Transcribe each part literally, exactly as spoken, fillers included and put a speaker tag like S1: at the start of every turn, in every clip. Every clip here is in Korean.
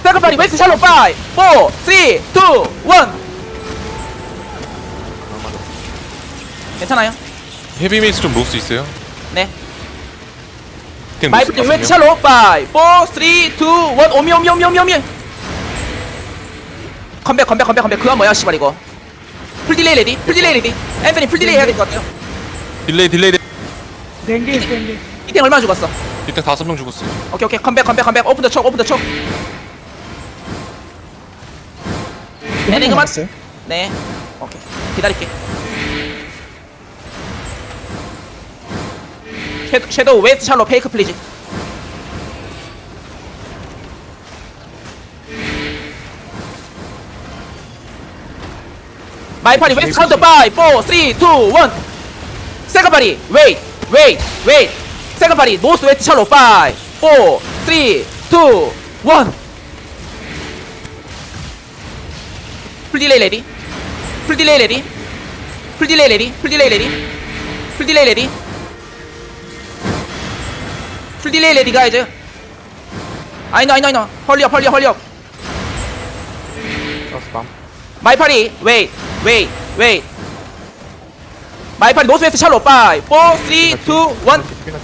S1: 세컨 파리 웨스트 샬롯 파이 포 쓰리 투 원 괜찮아요?
S2: 헤비 메이스 좀 놓을 수 있어요?
S1: 네
S2: 디탱
S1: 마이 프리 웨스트 샬롯 파이 포 쓰리 투 원 오미 오미 오미 오미 오미 컴백 컴백 컴백 컴백 그건 뭐야 씨발 이거 풀 딜레이 레디 풀 딜레이 레디 앤서니 풀 딜레이 해야 될 것 같아요
S2: 딜레이 딜레이 딜레이.
S3: 댕기 댕기
S1: 디탱 얼마 죽었어?
S2: 디탱 다섯 명 죽었어요.
S1: 오케이 오케이 컴백 컴백 컴백 오픈 더 촉 오픈 더 촉 네네 그만 네 오케이 기다릴게 섀도우, 섀도우 웨스트 샬로 페이크 플리즈 마이 파리 웨스트 카운터 파이 포 쓰리 투 원 세컨 파리 웨이트 웨이트 웨이트 세컨 파리 노스 웨스트 샬로 파이 포 쓰리 투 원 풀 딜레이 레디 풀 딜레이 레디 풀 딜레이 레디 풀 딜레이 레디 풀 딜레이 레디 풀 딜레이 레디 가이즈 아이노 아이노 아이노 헐리업 헐리업 헐리업 마이 파리 웨이 웨이 웨이 마이 파리 노스 웨스트 샬로 파이 포 쓰리 투 원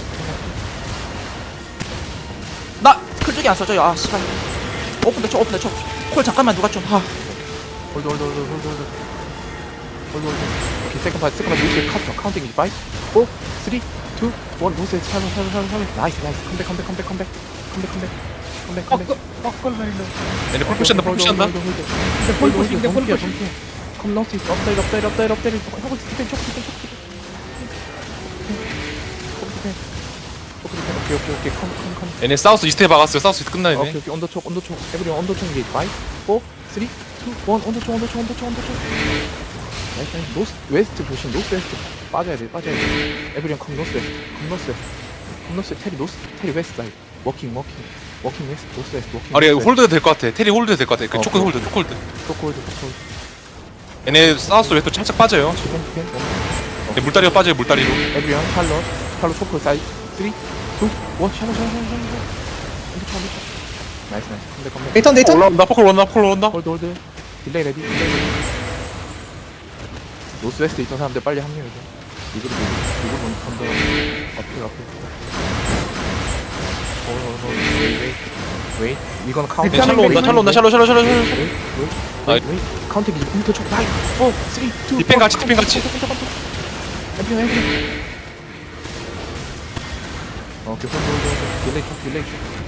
S1: 나 클쪽이 안 써져요 아 씨발 오픈 더 쳐 오픈 더 쳐 콜 잠깐만 누가 좀 아.
S4: 홀드 홀드 홀드 홀드 홀드 홀드 홀드 오케이 세컨 파트 세컨 파트 노스 카운트 카운팅 이제 파이브 사 쓰리 투 원 노스 샬롯 샬롯 샬롯 샬롯 나이스 나이스 컴백 컴백 컴백 컴백 컴백 컴백 컴백 컴백
S3: 뻐끌 말로
S2: 얘네 풀 푸시한다 풀 푸시한다.
S3: 근데 폴 푸시 근데 폴 푸시
S4: 컴 노스 업데이트 업데이트 업데이트 업데이트 하고 있어 디펜 촉 디펜 촉 디펜 오케이 오케이 오케이 컴컴컴
S2: 얘네 사우스 이스트에 박았어요. 사우스 이스트 끝나
S4: 오케이
S2: 얘네.
S4: 오케이 언더 촉 언더 촉 에브리 언더 촉 이제 파이브 사 쓰리 투 원 언더 촉 언더 촉 언더 촉 언더 촉 나이스 나이스 노스 웨스트 조심 노스 웨스트 빠져야 돼 빠져야 돼 에브리언 컴 노스 웨스트 컴 노스 웨스트 컴 노스 테리 노스 테리 웨스트 사이드 워킹 워킹 워킹 웨스트 노스 웨스트 워킹
S2: 아리 홀드 될 것 같아. 테리 홀드 될 것 같아. 그 초크 홀드 초크 홀드.
S4: 초콜드 초콜드
S2: 얘네 사우스 웨스트 살짝 빠져요.
S4: 디펜 디펜
S2: 얘 물다리가 빠져요 물다리로.
S4: 에브리언 샬롯 샬롯 초콜 사이드 쓰리 투 원 샬롯 샬롯 샬롯 샬롯 언더 촉 언더 촉 나이스 나이스 컴백 컴백
S5: 데이턴 데이턴
S2: 올라온다 포클 올라온다 포클 올라온다.
S4: 홀드 홀드 딜레이 레디 딜레이 레디 노스 웨스트 있던 사람들 빨리 합류해 줘 이거를 이거 이거 먼저 건더 어필 어필 홀홀홀 웨이 웨이 웨이 이건 카운트
S2: 얘네 샬로 온다 샬로 온다 샬로 샬로 샬로 샬로.
S4: 웨이 웨이 웨이 웨이 카운트 이제 컴퓨터 쪽 나이 사 쓰리 투
S2: 디펜 같이, 디펜 같이.
S4: 에브리 에브리 오케이 홀드 홀드 홀드 딜레이 쪽 딜레이 쪽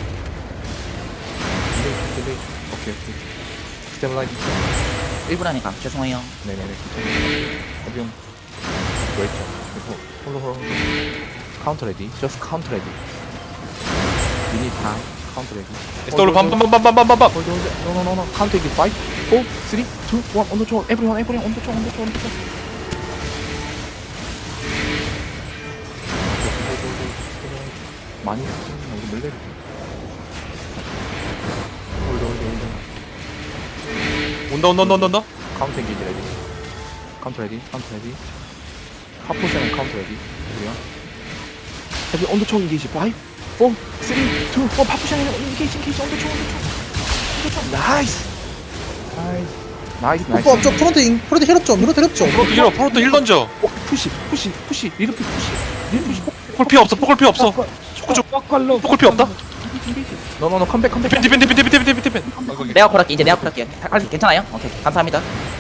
S4: 딜레이 쪽 딜레이 쪽 오케이 오케이 스테블라이즈
S1: 일 분하니까 죄송해요
S4: 네네네 어비용 웨이트 홀로 홀로 카운터 레디 just 카운터 레디 미니 다 카운터 레디
S2: 에스더블 빰빰빰빰빰빰빰.
S4: 홀드 홀드 노노노노 카운터 레디 파이브 사 쓰리 투 원 언더 초 에브리원 에브리원 언더 초 언더 초 언더 초 많이 여기 물레 홀드 홀드 홀드
S2: 온다 온다 온다 온다 온다.
S4: 카운터 엔게이지 레디 카운터 레디 카운터 레디 하포션은 카운터 레디 에브리원 여기 언더총 인게이지 파이브 사 쓰리 투 원 파포션 인게이지 인게이지 언더총 언더총 언더총 나이스 나이스 나이스 나이스
S5: 오빠 앞쪽 프론트 인 프론트 힐업 좀 프론트 힐업 좀
S2: 프로토 힐 프로토 힐 던져.
S4: 오, 푸시 푸시 푸시 리르피 푸시 리르피 푸시
S2: 포클 피 없어 포클 피 없어. 초크 쪽
S3: 뻐끌로
S2: 포클 피 없다.
S4: 너너너 컴백 컴백
S2: 디펜 디펜 디펜 디펜 디펜 디펜 디펜.
S1: 내가 콜할게 이제 내가 콜할게 할수 괜찮아요? 오케이 감사합니다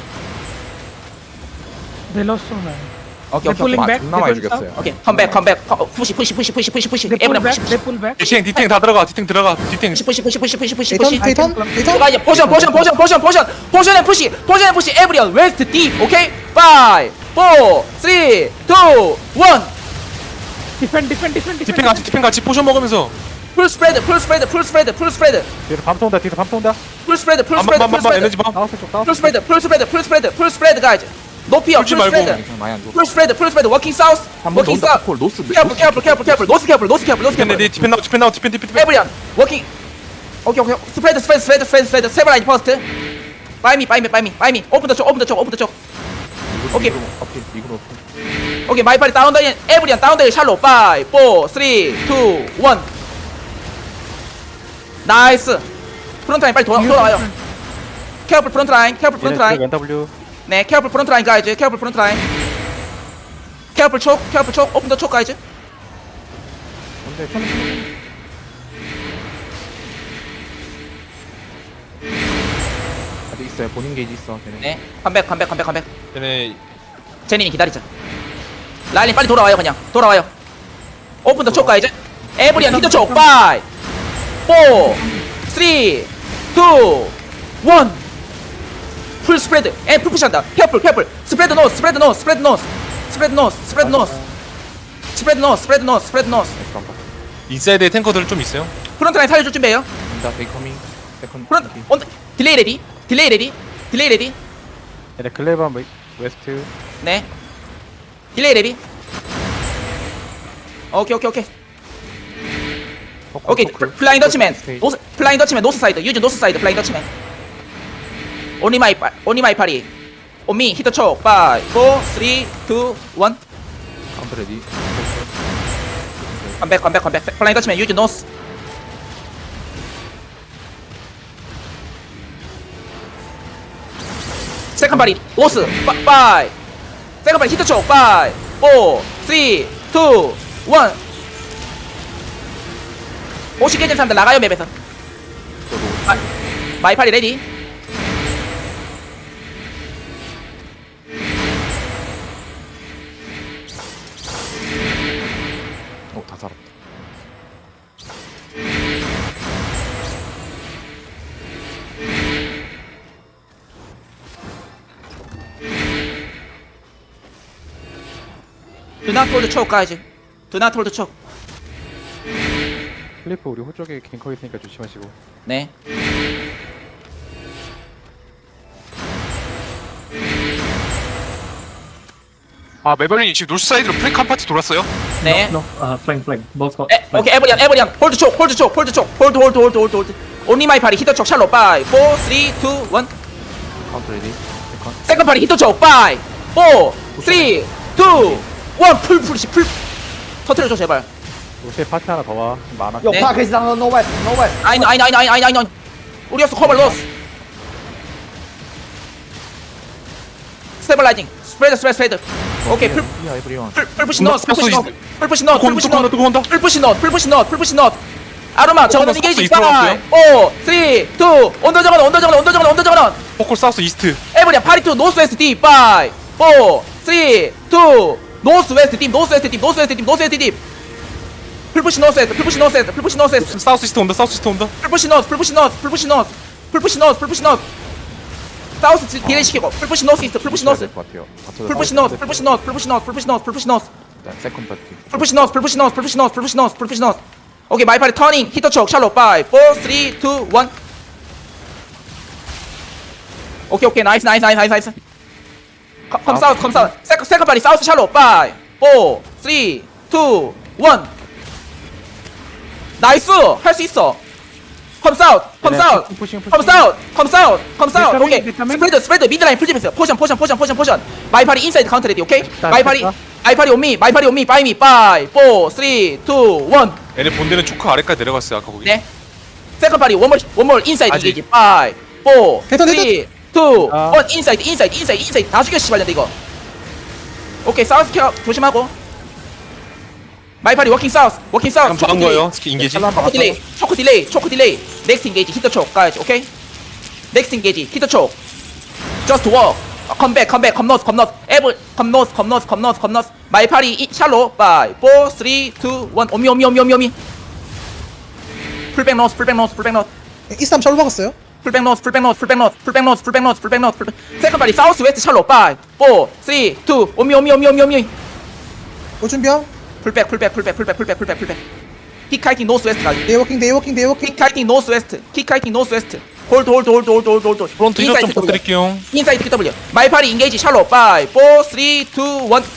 S3: 벨로소나
S1: 오케이 오케이
S3: 폴링 백
S4: 존나 많이 죽였어요
S1: 오케이 컴백 컴백 컴- 푸시 푸시 푸시 푸시 푸시 푸시
S3: 네
S1: 에브리언
S3: 폴백
S1: 푸시
S3: 네 폴백
S2: 디탱 디탱 다 들어가 디탱 들어가 디탱.
S1: 푸시 푸시 푸시 푸시 푸시 푸시
S5: 데이턴
S1: 푸시
S5: 데이턴 데이턴
S1: 가 이제 포션 포션 포션 포션 포션 포션에 푸시 포션에 푸시 에브리언 웨스트 D 오케이 파이브 사 쓰리 투 원
S3: 디펜 디펜 디펜
S2: 디펜 같이 디펜 같이 포션 먹으면서.
S1: 풀 스프레드 풀 스프레드 풀 스프레드 풀 스프레드
S4: 뒤로 밤터 온다 뒤로 밤터 온다
S1: 풀 스프레드 풀 스프레드 풀
S2: 밤밤밤밤
S1: 스프레드
S2: 에너지 밤.
S4: 나우스 쪽 나우스
S1: 풀 스프레드 풀 스프레드 풀 스프레드 풀 스프레드 가이즈 높이요
S2: 풀지
S1: 풀
S2: 말고.
S1: 스프레드
S4: 많이 안 죽어
S1: 풀 스프레드 풀 스프레드 워킹 사우스
S4: 한번
S1: 워킹
S4: 온다
S1: 사우스
S4: 콜 노스
S1: 캐플 캐플 캐플 캐플 노스 캐플 노스 캐플 노스
S2: 디펜
S1: 캐플
S2: 레디 디펜 나우 디펜 나우 디펜 디펜 디펜.
S1: 에브리언 워킹 오케이 오케이 스프레드 스프레드 스프레드 스프레드 스프레드 세븐 라인 퍼스트 바이미 바이미 바이미 바이미 오픈 더 쪽 오픈 더 쪽 오픈 더 쪽 오케이.
S4: 오케이 이거 오케이
S1: 오케이 마이 파리 다운 더 에브리언 다운 더 샬로 파이브 사 쓰리 투 원 나이스 프론트 라인 빨리 돌아, 돌아와요. 케어풀 프론트 라인, 케어풀 프론트 라인.
S6: 엔더블유
S1: 네, 케어풀 프론트 라인 가이즈, 케어풀 프론트 라인. 케어풀 촉, 케어풀 촉, 오픈 더 촉 가이즈.
S4: 근데 천천히 천천히. 아직 있어요. 본인 게이지 있어. 걔네.
S1: 네, 컴백, 컴백, 컴백, 컴백.
S2: 얘네
S1: 제니님 기다리자. 라일린 빨리 돌아와요, 그냥. 돌아와요. 오픈 더 촉 가이즈. 에브리언 히터 촉, 파이브, 포, 쓰리, 투, 원. 풀 스프레드. 에, 풀 푸시한다. 케어풀, 케어풀. 스프레드 노스, 스프레드 노스, 스프레드 노스. 스프레드 노스, 스프레드 노스. 스프레드 노스, 스프레드 노스, 스프레드 노스.
S2: 인사이드에 탱커들 좀 있어요.
S1: 프론트 라인 살려줄 준비해요.
S4: 자, 베이커밍. 세컨.
S1: 프론트, 온, 딜레이 레디. 딜레이 레디. 딜레이 레디.
S6: 얘네 클레바 웨스트
S1: 네. 딜레이 레디. 오케이, 오케이, 오케이. 오케이. 플- 플라잉 더치맨. 노스, 플라잉 더치맨 노스 사이드. 유즈 노스 사이드. 플라잉 더치맨. 오니 마이 파, 오니 마이 파리. 오미 히터 촉. 파이브, 포, 쓰리, 투, 원.
S4: 카운터 레디.
S1: 컴백, 컴백, 컴백. 플라잉 더치맨 유즈 노스. 세컨 바리 노스. 파이브. 세컨 바리 히터 촉. 파이브, 포, 쓰리, 투, 원. 오십 개 된 사람들 나가요 맵에서. 마, 마이파리 레디.
S4: 오, 다 살았다.
S1: Do not hold the choke, guys. Do not hold the choke.
S6: 클리프 우리 호쪽에 갱커 있으니까 조심하시고.
S1: 네.
S2: 아 메버린이 지금 노스 사이드로 프랭크 한 파티 돌았어요.
S1: 네.
S7: No, uh, flank, flank. Both got.
S1: 에, 오케이, 에버리안, 에버리안. 홀드 촉, 홀드 촉, 홀드 촉. 홀드, 홀드, 홀드, 홀드, 홀드. 온리 마이 파리 히터 촉 샬로. 파이브, 포, 쓰리, 투, 원.
S4: 카운터 레디. 세컨.
S1: 세컨 파리 히터 촉. 파이브, 포, 쓰리, 투, 원. 풀, 풀시, 풀. 터트려줘, 제발.
S6: 요새 파티 하나 더 와. 지금 많아.
S1: 네. 아이, 아이, 아이, 아이, 아이, 아이, 아이. 우리 없어, 커버 로스. 스테블라이징. 스프레드, 스프레드, 스프레드. 오케이, 풀,
S4: 야, 에브리원.
S1: 풀, 풀푸시 넣었어, 풀푸시
S2: 넣었어,
S1: 넣었어. 풀푸시 넣었어,
S2: 또
S1: 풀푸시
S2: 온다,
S1: 넣었어.
S2: 또 온다.
S1: 풀푸시 넣었어, 풀푸시 넣었어, 풀푸시 넣었어. 아로마, 저거는
S2: 사우스
S1: 이게이지.
S2: 이스트로
S1: 파이브, 오, 쓰리, 투, 언더 저거는, 언더 저거는, 언더 저거는, 언더 저거는.
S2: 포콜 사우스 이스트.
S1: 에브리야, 파리 투, 노스 웨스트 딥. 파이브, 포, 쓰리, 투, 노스 웨스트 딥, 노스 웨스트 딥, 노스 웨스트 딥, 노스 웨스트 딥. 풀푸시 넣었어, 풀푸시 넣었어, 풀푸시 넣었어.
S2: 사우스 이스트 온다. 사우스 이스트 온다.
S1: 풀푸시 넣었어, 풀푸시 넣었어, 풀푸시 넣었어. 풀푸시 넣었어, 풀푸시 넣었어. 사우스 딜레이 시키고, 풀푸시 넣었어, 있어, 풀푸시 넣었어.
S4: 것 같아요. 받쳐서
S1: 풀푸시
S4: 사우스
S1: 넣었어,
S4: 레디.
S1: 풀푸시 넣었어, 풀푸시 넣었어, 풀푸시 넣었어, 풀푸시 넣었어.
S4: 자, 세컨 파티.
S1: 풀푸시 넣었어, 풀푸시 넣었어, 풀푸시 넣었어, 풀푸시 넣었어, 풀푸시 넣었어. 오케이, 마이파리 터닝, 히터 촉, 샬로, 파이브, 포, 쓰리, 투, 원. 오케이, 오케이, 나이스, 나이스, 나이스, 나이스, 나이스. 컴, 컴 사우스, 컴 사우스. 세컨, 세컨 파리, 사우스 샬로, 파이브, 포, 쓰리, 투, 원. 나이스! 할 수 있어. 컴 사우스, 컴
S6: 네,
S1: 사우스.
S6: 푸싱, 푸싱.
S1: 컴 사우스, 컴 사우스, 컴 사우스.
S3: 네,
S1: 오케이.
S3: 네, 네,
S1: 스프레드, 스프레드, 미드라인 풀집했어요. 포션, 포션, 포션, 포션, 포션. 마이파리 인사이드 카운터 레디, 오케이?
S6: 됐다,
S1: 마이파리,
S6: 됐다.
S1: 마이파리 온미, 마이파리 온미, 바이미, 파이브, 포, 쓰리, 투, 원.
S2: 얘네 본대는 초크 아래까지 내려갔어요. 아까 거기.
S1: 네. 세컨 파리 원몰 원몰 인사이드
S2: 아직.
S1: 이게지. 파이브, 포,
S5: 됐다,
S1: 쓰리, 투,
S6: 아.
S1: 원. 인사이드, 인사이드, 인사이드, 인사이드. 다 죽여 씨발년데 이거. 오케이, 사우스 케어 조심하고. 마이파리 워킹 사우스, 워킹 사우스.
S2: 그럼 박은 거예요. 스키 인게이지.
S1: 초코 딜레이, 초코 딜레이, 초코 딜레이. 넥스트 인게이지, 히터 촉 가야지, 오케이? 넥스트 인게이지, 히터 촉. Just walk. 컴백, 컴백, 컴노스, 컴노스. 에브, 컴노스, 컴노스, kom노스, 컴노스. 마이파리 이, 샬로. 파이브, 포, 쓰리, 투, 원. 오미, 오미, 오미, 오미, 오미. 풀백 노스, 풀백 노스, 풀백 노스.
S5: 이스람 샬로 박았어요.
S1: 풀백 노스, 풀백 노스, 풀백 노스, 풀백 노스, 풀백 노스, 풀백 노스, 풀백. 세컨 바리 사우스 웨스트 샬로. 파이브, 포, 쓰리, 투, 오미, 오미, 오미, 오미, 오미.
S5: 올 준비야.
S1: 풀백, 풀백, 풀백, 풀백, 풀백, 풀백, 풀백. 킥카이팅 노스 웨스트 가지.
S5: 데이워킹 데이워킹 데이워킹.
S1: 킥카이팅 노스 웨스트. 킥카이팅 노스 웨스트. 홀드, 홀드, 홀드, 홀드, 홀드, 홀드.
S2: 프론트 힐업 좀
S1: 인사이드
S2: 부탁드릴게요.
S1: 인사이드 킥 W. 마이파리 인게이지 샬로. 파이브, 포, 쓰리, 투, 원.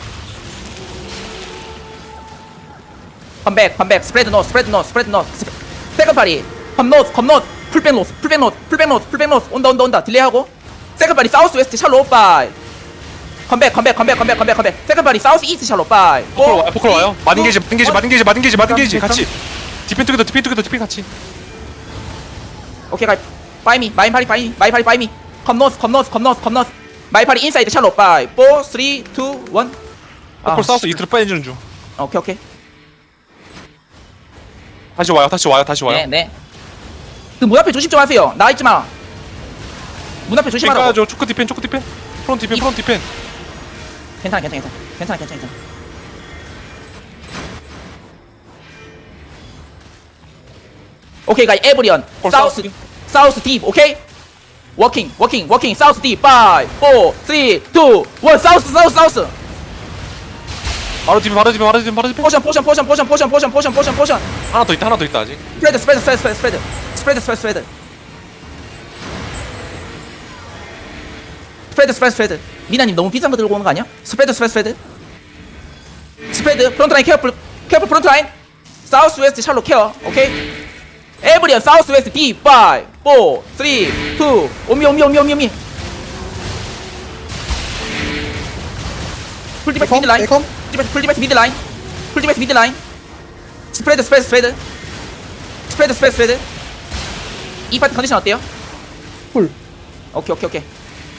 S1: 컴백, 컴백. 스프레드 노스, 스프레드 노스, 스프레드 노스. 세컨 파리. 컴 노스, 컴 노스. 풀백 노스, 풀백 노스, 풀백 노스, 풀백 노스. 온다, 온다, 온다. 딜레이하고. 세컨 파리 사우스 웨스트 샬로. 파이브. 컴백, 컴백, 컴백, 컴백, 컴백, 컴백. 세컨 파리 사우스 이스트 샬로. 파이브.
S2: 포콜 와요. 포콜 와요. 마딘 게이지, 마딘 게이지, 마딘 게이지, 마딘 게이지, 마딘 게이지
S6: 잠깐,
S2: 같이. 디펜 투게더, 디펜 투게더, 디펜 같이.
S1: 오케이 가이 바이 미 마이 파리 바이 마이 파리 바이 미 컴노스 컴노스 컴노스 컴노스 마이 파리 인사이드 샬롯 바이 사 삼 이 일
S2: 폴 사우스 이틀 빠지는 중.
S1: 오케이 오케이
S2: 다시 와요. 다시 와요. 다시 와요.
S1: 네네 그 문 앞에 조심 좀 하세요 나 있지마 문 앞에 조심하라고
S2: 가야죠. 초크 디펜, 초크 디펜. 프론트 디펜, 프론트 디펜.
S1: 괜찮아 괜찮아 괜찮아 괜찮아 괜찮아 괜찮아 오케이 가이 에브리언
S2: 콜
S1: 사우스
S2: 사우스.
S1: 사우스 딥 오케이 워킹 워킹 워킹 사우스 딥 파이브 사 삼 이 일 사우스 사우스 사우스
S2: 바로 디펜, 바로 디펜, 바로 디펜, 바로 디펜.
S1: 포션 포션 포션 포션 포션 포션 포션 포션 포션
S2: 하나 더 있다, 하나 더 있다 아직.
S1: 스프레드 스프레드 스프레드 스프레드 스프레드 스프레드 스프레드 스프레드 스프레드 스프레드 스프레드 미나님 너무 비싼 거 들고 오는 거 아니야? 스프레드 스프레드 스프레드 스프레드 프론트 라인 케어풀 케어풀 프론트 라인 사우스 웨스트 샬로 케어 오케이 에브리언 사우스 웨스트 D 파이브 사 삼 이 오미 오미 오미 오미 오미 풀디베스
S5: 에컴
S1: 미드 라인
S5: 에컴
S1: 풀디베스 풀디베스 미드 라인 풀디베스 미드 라인 스프레드 스프레드 스프레드 스프레드 스프레드 스프레드 이 파트 컨디션 어때요?
S5: 풀
S1: 오케이 오케이 오케이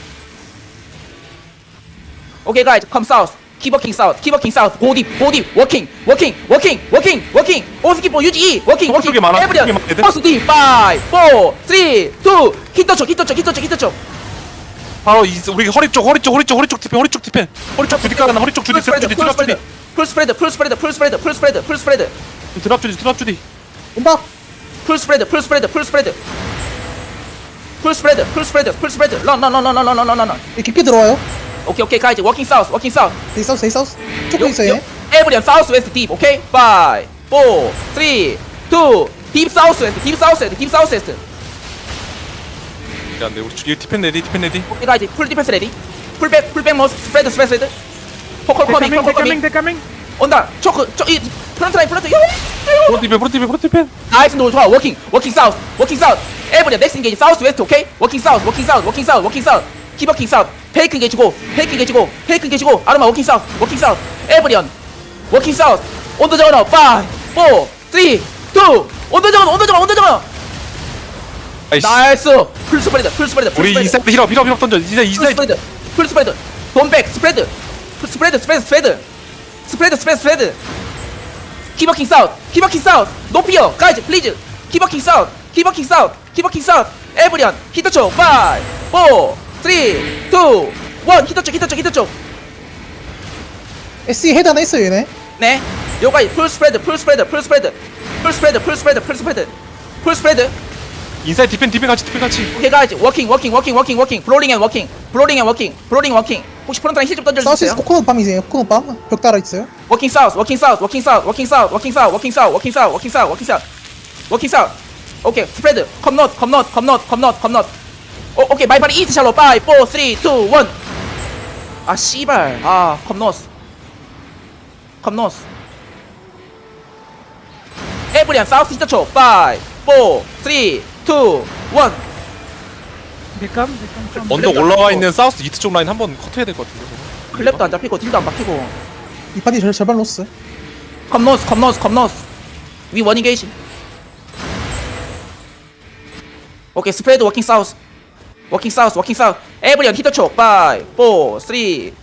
S1: 오케이 가이즈 컴 사우스 Keep working south, keep working south, go deep, go deep, working, working, working, working, working, 오스키 보 유지 E, working, working,
S2: 쪽에 많아,
S1: 에브리언,
S2: 쪽에 많아, 애들.
S1: 버스 D, 파이브, 사, 삼, 이, 히터 쪽, 히터 쪽, 히터 쪽, 히터 쪽
S2: 바로 이 우리 허리 쪽, 허리 쪽, 허리 쪽, 허리 쪽 디펜, 허리 쪽 디펜. 허리 쪽 주디 깔아놔. 허리 쪽 주디,
S1: 풀
S2: 드랍
S1: 스프레드,
S2: 주디,
S1: 풀
S2: 드랍 주디.
S1: 스프레드, 풀 스프레드, 풀 스프레드, 풀 스프레드, 풀 스프레드, 풀 스프레드,
S2: 드랍 주디, 드랍 주디.
S5: 음박
S1: 풀 스프레드, 풀 스프레드, 풀 스프레드 풀 스프레드, 풀 스프레드, 풀 스프레드, 런런런런런런런런
S5: 깊게 들어와요
S1: 오케이 오케이 가이즈 워킹 사우스, 워킹 사우스
S5: 데이 사우스 데이 사우스 초크 있어요 얘
S1: 에브리언 사우스 웨스트 딥 오케이 파이브, 사, 삼, 이, 딥 사우스 웨스트 딥 사우스 웨스트 딥 사우스 웨스트
S2: 야, 네, 우리 주- 디펜 레디, 디펜 레디.
S1: 오케이 가이즈 풀 디펜스 레디 풀백 풀백 머스 스프레드 스프레드 포컬
S3: They're
S1: 커밍
S3: coming,
S1: 포컬
S3: they're coming,
S1: 커밍
S3: they're coming.
S1: 온다 초크 저이 프런트 라인 프런트
S2: 프론트 디펜, 프론트 디펜, 프론트 디펜.
S1: 나이스 노 좋아 워킹 워킹 사우스 워킹 사우스 에브리언 넥스 인게이지 사우스 웨스트 오케이 워킹 사우스 워킹 사우스 워킹 사우스 워킹 사우스 키버킹 사우스 페이크 인게이지고 페이크 인게이지고 페이크 인게이지고 아르마 워킹 사우스 워킹 사우스 에브리언 워킹 사우스 온도 저너 파이브, 사, 삼, 이 온도 저너 온도 저너 온도 저너
S2: 아이씨.
S1: 나이스 풀 스프레드 풀 스프레드 풀
S2: 우리
S1: 스프레드
S2: 이사이드 힐업, 힐업, 힐업 던져. 이사
S1: 풀
S2: 이사이드.
S1: 스프레드 풀 스프레드 돈백 스프레드 풀 스프레드 스프레드 스프레드 스프레드 스프레드 스프레드 키버킹 사우스 키버킹 사우스 높이요 가이즈 플리즈 키버킹 사우스 키버킹 사우스 키버킹 사우스 에브리언 히터 쪽 파이브, 사, 삼, 이, 일 히터 쪽 히터 쪽 히터 쪽네
S5: 에스이 헤드 하나 있어요 얘네
S1: 요가이 풀 스프레드 풀 스프레드 풀 스프레드 풀 스프레드 풀 스프레드 풀 스프레드 풀 스프레드
S2: 인사이드 디펜, 디펜 같이, 디펜 같이.
S1: 오케이 가이즈 워킹 워킹 워킹 워킹 워킹 블로링 앤 워킹 블로링 앤 워킹 블로링 워킹 혹시 프론트 라인 힐좀 던져줄 수
S5: 사우스
S1: 있어요?
S5: 코코넛 밤이세요 코코넛 밤벽 따라 있어요
S1: 워킹 사우스 워킹 사우스 워킹 사우스 워킹 사우스 워킹 사우스 워킹 사우스 워킹 사우스 워킹 사우스 워킹 사우스 워킹 사우스 오케이 스프레드 컴노트 컴노트 컴노트 컴노트 컴노트 오 오케이 마이파리 이스트 샬로 파이브, 사, 삼, 이, 일 아 씨발 아 컴노스 컴노스 에브리안 사우스 히터 초 파이브, 사, 삼, 이, 일
S3: They come, they come from.
S2: 언덕 올라와 있는 사우스 이트 쪽 라인 한번 커트해야 될 것 같은데.
S1: 클랩도 안 잡히고 딜도 안 박히고
S5: 이 파티 절, 절반 로스
S1: 컴노스 컴노스 컴노스 위 원인 게이지 오케이 스프레드 워킹 사우스 워킹 사우스 워킹 사우스 에브리언 히터 촉 파이브, 사, 삼, 이, 일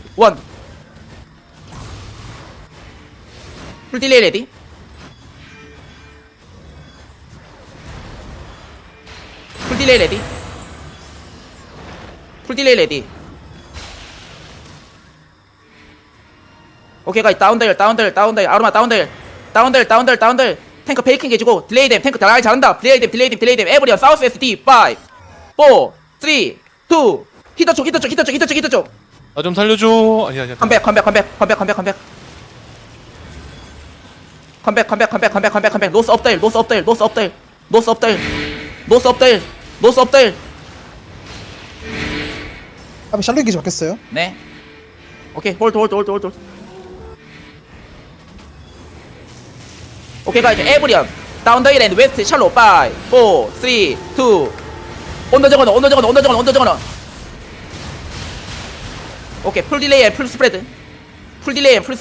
S1: 풀 딜레이 레디 풀 딜레이 레디 풀 딜레이 레디 오케이 가이 다운들 다운들 다운들 아로마 다운들 다운들 다운들 다운들 탱크 베이킹 해주고 딜레이 댐 탱크 다 잘한다 딜레이 댐 딜레이 댐 딜레이 댐 에브리언 사우스 에스 디 파이브, 사, 삼, 이 히터 쪽 히터 쪽 히터 쪽 히터 쪽 히터 쪽
S2: 나 좀 살려줘. 아니야, 아니야.
S1: 컴백 컴백 컴백 컴백 컴백 컴백 컴백 컴백 컴백 컴백 컴백 컴백 노스 업데일 노스 업데일 노스 업데일 노스 업데일 노스 업데일 노스 업데일
S5: 앞에 샬롯 기지 바뀌었어요
S1: 네 오케이 홀드 홀드 홀드 홀드 오케이 가이즈 에브리언 다운 더 힐 웨스트 샬로 파이브, 사, 삼, 이 온더 정원 온더 정원 온더 정원 온더 정원 오케이 풀 딜레이 앤 풀 스프레드 풀 딜레이 앤 풀